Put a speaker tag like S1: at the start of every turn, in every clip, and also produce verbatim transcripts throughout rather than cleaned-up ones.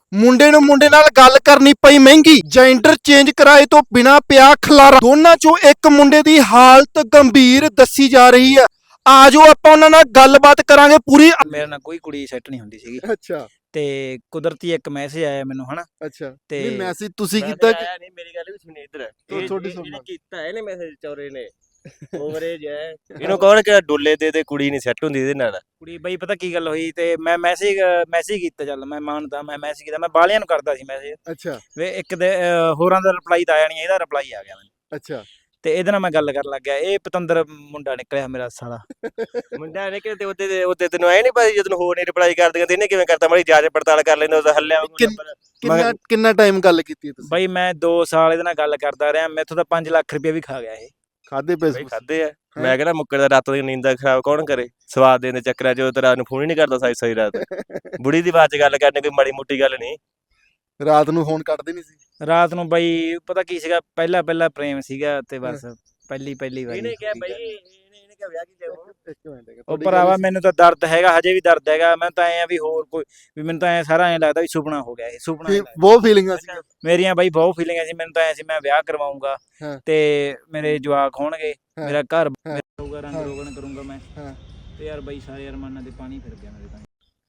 S1: ਮੁੰਡੇ ਨੂੰ ਮੁੰਡੇ ਨਾਲ ਗੱਲ ਕਰਨੀ ਪਈ ਮਹਿੰਗੀ। ਜੈਂਡਰ ਚੇਂਜ ਕਰਾਏ ਤੋਂ ਬਿਨਾ ਪਿਆ ਖਲਾਰਾ। ਦੋਨਾਂ ਚੋਂ ਇੱਕ ਮੁੰਡੇ ਦੀ ਹਾਲਤ ਗੰਭੀਰ ਦੱਸੀ ਜਾ ਰਹੀ ਹੈ। ਆਜੋ ਆਪਾਂ ਉਹਨਾਂ ਨਾਲ ਗੱਲਬਾਤ ਕਰਾਂਗੇ ਪੂਰੀ।
S2: ਮੇਰੇ ਨਾਲ ਕੋਈ ਕੁੜੀ ਸੈੱਟ ਨਹੀਂ ਹੁੰਦੀ ਸੀਗੀ
S1: ਅੱਛਾ
S2: ਤੇ ਕੁਦਰਤੀ ਇੱਕ ਮੈਸੇਜ ਆਇਆ ਮੈਨੂੰ ਹਨਾ
S1: ਅੱਛਾ
S2: ਤੇ
S1: ਨਹੀਂ ਮੈਸੇਜ ਤੁਸੀਂ ਕੀਤਾ ਕਿ
S3: ਨਹੀਂ ਮੇਰੀ ਗੱਲ ਵੀ ਸੁਣੀ ਇੱਧਰ
S1: ਤੋ-
S3: ਇਹ
S1: ਤੁਹਾਡੀ
S3: ਇਹ-
S1: ਸੁਣ
S3: ਇਹਨੇ
S1: ਲਾ।
S3: ਕੀਤਾ ਇਹਨੇ ਮੈਸੇਜ ਚੌਰੇ ਨੇ ਓਵਰੇਜ ਹੈ ਇਹਨੂੰ ਕੌਣ ਕਿ ਡੋਲੇ ਦੇ ਤੇ ਕੁੜੀ ਨਹੀਂ ਸੈੱਟ ਹੁੰਦੀ ਇਹਦੇ ਨਾਲ
S2: ਕੁੜੀ ਬਈ ਪਤਾ ਕੀ ਗੱਲ ਹੋਈ ਤੇ ਮੈਂ ਮੈਸੇਜ ਮੈਸੇਜ ਕੀਤਾ, ਚੱਲ ਮੈਂ ਮੰਨਦਾ ਮੈਂ ਮੈਸੇਜ ਕੀਤਾ, ਮੈਂ ਬਾਲਿਆਂ ਨੂੰ ਕਰਦਾ ਸੀ ਮੈਸੇਜ
S1: ਅੱਛਾ
S2: ਵੇ ਇੱਕ ਦੇ ਅਹ, ਹੋਰਾਂ ਦਾ ਰਿਪਲਾਈ ਤਾਂ ਆਇਆ ਨਹੀਂ, ਇਹਦਾ ਰਿਪਲਾਈ ਆ ਗਿਆ ਮੈਨੂੰ
S1: ਅੱਛਾ
S2: ਤੇ ਇਹਦੇ ਨਾਲ ਮੈਂ ਗੱਲ ਕਰਨ ਲੱਗ ਗਿਆ। ਇਹ ਪਤੰਦਰ ਮੁੰਡਾ ਨਿਕਲਿਆ ਮੇਰਾ ਸਾਲਾ।
S3: ਮੁੰਡਾ ਨੇ ਕਿ ਤੇ ਉਹਦੇ ਤੇ- ਉਹਦੇ ਤੈਨੂੰ ਆਏ ਨਹੀਂ ਪਤਾ ਜਦੋਂ ਹੋਰ ਨਹੀਂ ਰਿਪਲਾਈ ਕਰਦੀਆਂ ਤੇ ਇਹਨੇ ਕਿਵੇਂ ਕਰਤਾ ਮਾੜੀ ਜਾਂਚ ਪੜਤਾਲ ਕਰ ਲੈਂਦਾ ਉਹਦਾ ਹੱਲਿਆ ਵਾਂਗੂ
S1: ਕਿੰਨ-
S3: number।
S1: ਕਿੰਨਾ ਕਿੰਨਾ ਟਾਈਮ ਗੱਲ ਕੀਤੀ ਹੈ ਤੁਸੀਂ?
S2: ਬਈ ਮੈਂ ਦੋ ਸਾਲ ਇਹਦੇ ਨਾਲ ਗੱਲ ਕਰਦਾ ਰਿਹਾ, ਮੈਥੋਂ ਤਾਂ ਪੰਜ ਲੱਖ ਰੁਪਏ ਵੀ ਖਾ ਗਿਆ ਇਹ।
S1: ਖਾਦੇ
S3: ਬਈ
S1: ਪੈਸੇ
S3: ਖਾਦੇ ਆ ਮੈਂ ਕਹਿੰਦਾ ਮੁੱਕਰ ਦਾ ਰਾਤ ਦੀ ਨੀਂਦ ਖਰਾਬ ਕੌਣ ਕਰੇ ਸਵਾਦ ਦੇਣ ਦੇ ਚੱਕਰਾਂ ਚ ਉਹ ਤੇ ਰਾਤ ਨੂੰ ਫੋਨ ਹੀ ਨਹੀਂ ਕਰਦਾ ਸਾਈ ਸਾਈ ਰਾਤ ਬੁੜੀ ਦੀ ਬਾਤ ਚ ਗੱਲ ਕਰਨੀ ਕੋਈ ਮਾੜੀ ਮੋਟੀ ਗੱਲ ਨਹੀਂ
S1: ਰਾਤ ਨੂੰ ਫੋਨ ਕੱਟਦੇ ਨਹੀਂ ਸੀ?
S2: ਰਾਤ ਨੂੰ ਬਈ ਪਤਾ ਕੀ ਸੀਗਾ, ਪਹਿਲਾ ਪਹਿਲਾ ਪ੍ਰੇਮ ਸੀਗਾ ਤੇ ਬਸ ਪਹਿਲੀ ਪਹਿਲੀ ਵਾਰੀ
S3: ਇਹਨੇ ਕਿਹਾ ਬਈ ਇਹਨੇ ਇਹਨੇ ਕਿਹਾ ਵਿਆਹ ਕੀ ਜਾਊ
S1: ਇੱਕ ਮਿੰਟ
S2: ਉਹ ਭਰਾਵਾ ਮੈਨੂੰ ਤਾਂ ਦਰਦ ਹੈਗਾ, ਹਜੇ ਵੀ ਦਰਦ ਹੈਗਾ। ਮੈਂ ਤਾਂ ਐ ਆ ਵੀ ਹੋਰ ਕੋਈ ਵੀ ਮੈਨੂੰ ਤਾਂ ਐ ਸਾਰਾ ਐ ਲੱਗਦਾ ਵੀ ਸੁਪਨਾ ਹੋ ਗਿਆ ਇਹ ਸੁਪਨਾ ਹੀ ਲੱਗਦਾ।
S1: ਬਹੁਤ ਫੀਲਿੰਗਾਂ ਸੀ।
S2: ਮੇਰੀਆਂ ਬਾਈ ਬਹੁਤ ਫੀਲਿੰਗਾਂ ਸੀ, ਮੈਨੂੰ ਤਾਂ ਐ ਸੀ ਮੈਂ ਵਿਆਹ ਕਰਵਾਉਂਗਾ
S1: ਹਾਂ।
S2: ਤੇ ਮੇਰੇ ਜਵਾਕ ਹੋਣਗੇ,
S1: ਹਾਂ।
S2: ਮੇਰਾ ਘਰ
S1: ਹਾਂ।
S2: ਹੋਊਗਾ, ਰੰਗ
S1: ਹਾਂ।
S2: ਰੋਗਨ ਕਰੂੰਗਾ ਮੈਂ
S1: ਹਾਂ।
S2: ਤੇ ਯਾਰ ਬਾਈ ਸਾਰੇ ਅਰਮਾਨਾਂ ਤੇ ਪਾਣੀ ਫਿਰ ਗਿਆ ਮੇਰੇ ਤਾਂ।